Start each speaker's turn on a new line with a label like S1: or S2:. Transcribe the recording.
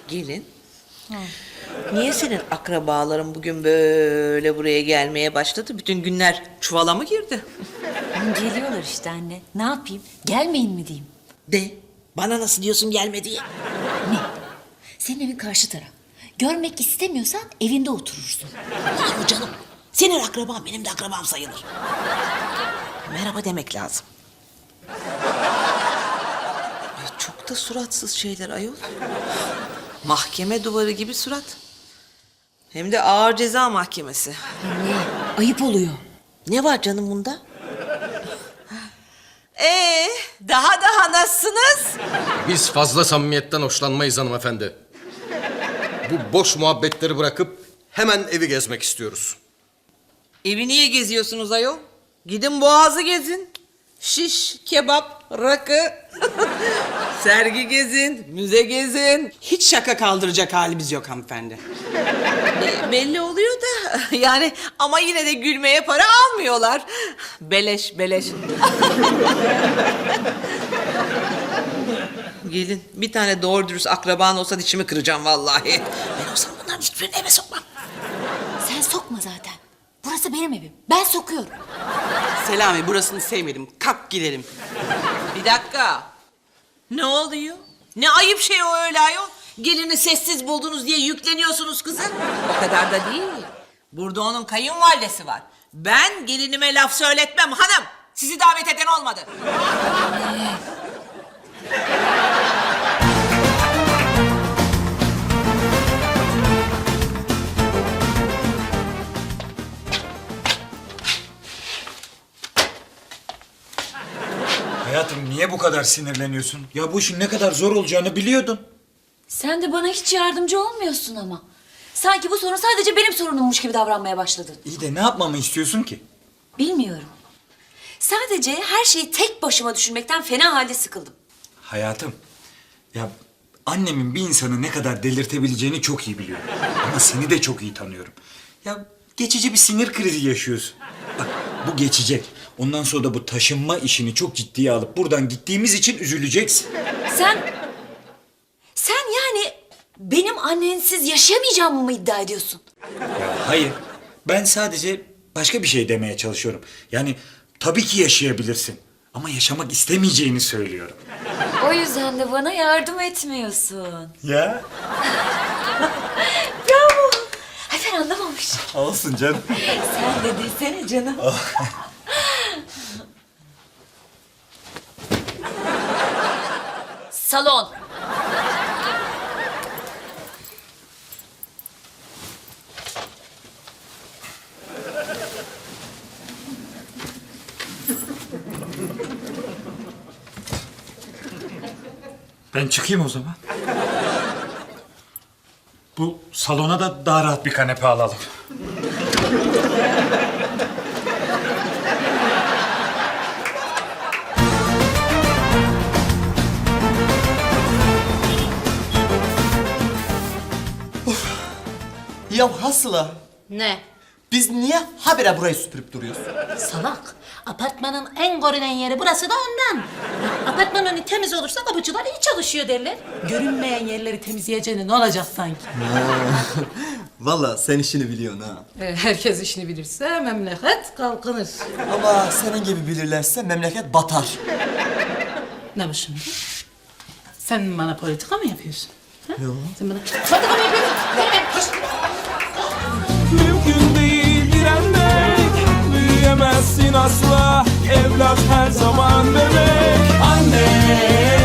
S1: Gelin. Niye senin akrabaların bugün böyle buraya gelmeye başladı? Bütün günler çuvala mı girdi?
S2: Geliyorlar işte anne. Ne yapayım? Gelmeyin mi diyeyim?
S1: De. Bana nasıl diyorsun gelme diye?
S2: Ne? Senin evin karşı taraf. Görmek istemiyorsan evinde oturursun.
S1: Yahu canım. Senin akraban benim de akrabam sayılır. Merhaba demek lazım. Ay, çok da suratsız şeyler ayol. Mahkeme duvarı gibi surat. Hem de ağır ceza mahkemesi.
S2: Anne, ayıp oluyor.
S1: Ne var canım bunda? Daha nasılsınız?
S3: Biz fazla samimiyetten hoşlanmayız hanımefendi. Bu boş muhabbetleri bırakıp hemen evi gezmek istiyoruz.
S1: Evi niye geziyorsunuz ayol? Gidin Boğaz'ı gezin. Şiş, kebap, rakı. Sergi gezin, müze gezin.
S4: Hiç şaka kaldıracak halimiz yok hanımefendi.
S1: Belli oluyor da yani ama yine de gülmeye para almıyorlar. Beleş, beleş. Gelin bir tane doğru dürüst akraban olsa dişimi kıracağım vallahi. Ben olsam bunların hiçbirini eve sokmam.
S2: Sen sokma zaten. Burası benim evim. Ben sokuyorum.
S4: Selami burasını sevmedim. Kalk gidelim.
S1: Bir dakika. Ne oluyor? Ne ayıp şey o öyle ayol. Gelini sessiz buldunuz diye yükleniyorsunuz kızın. O kadar da değil. Burada onun kayınvalidesi var. Ben gelinime laf söyletmem hanım. Sizi davet eden olmadı.
S5: Hayatım niye bu kadar sinirleniyorsun? Ya bu işin ne kadar zor olacağını biliyordun.
S2: Sen de bana hiç yardımcı olmuyorsun ama. Sanki bu sorun sadece benim sorunummuş gibi davranmaya başladın.
S5: İyi de ne yapmamı istiyorsun ki?
S2: Bilmiyorum. Sadece her şeyi tek başıma düşünmekten fena halde sıkıldım.
S5: Hayatım, ya annemin bir insanı ne kadar delirtebileceğini çok iyi biliyorum. Ama seni de çok iyi tanıyorum. Ya geçici bir sinir krizi yaşıyorsun. Bak bu geçecek. Ondan sonra da bu taşınma işini çok ciddiye alıp buradan gittiğimiz için üzüleceksin.
S2: Sen yani benim annensiz yaşayamayacağımı mı iddia ediyorsun?
S5: Ya hayır, ben sadece başka bir şey demeye çalışıyorum. Yani tabii ki yaşayabilirsin. Ama yaşamak istemeyeceğini söylüyorum.
S2: O yüzden de bana yardım etmiyorsun.
S5: Ya?
S2: Bravo. Ay ben anlamamış.
S5: Olsun canım.
S2: Sen de desene canım. Salon.
S5: Ben çıkayım o zaman. Bu salona da daha rahat bir kanepe alalım.
S6: Ya Hasıla,
S7: Ne?
S6: biz niye habire burayı süpürüp duruyoruz?
S7: Salak. Apartmanın en görünen yeri burası da ondan. Apartman önü temiz olursa kapıcılar iyi çalışıyor derler. Görünmeyen yerleri temizleyeceğine ne olacak sanki?
S6: Vallahi sen işini biliyorsun ha.
S7: Herkes işini bilirse memleket kalkınır.
S6: Ama senin gibi bilirlerse memleket batar.
S7: Ne bu şimdi? Sen bana politika mı yapıyorsun? Yok. Sen bana politika mı yapıyorsun?
S8: Mümkün değil direnmek, büyüyemezsin asla. Evlat her zaman bebek. Anne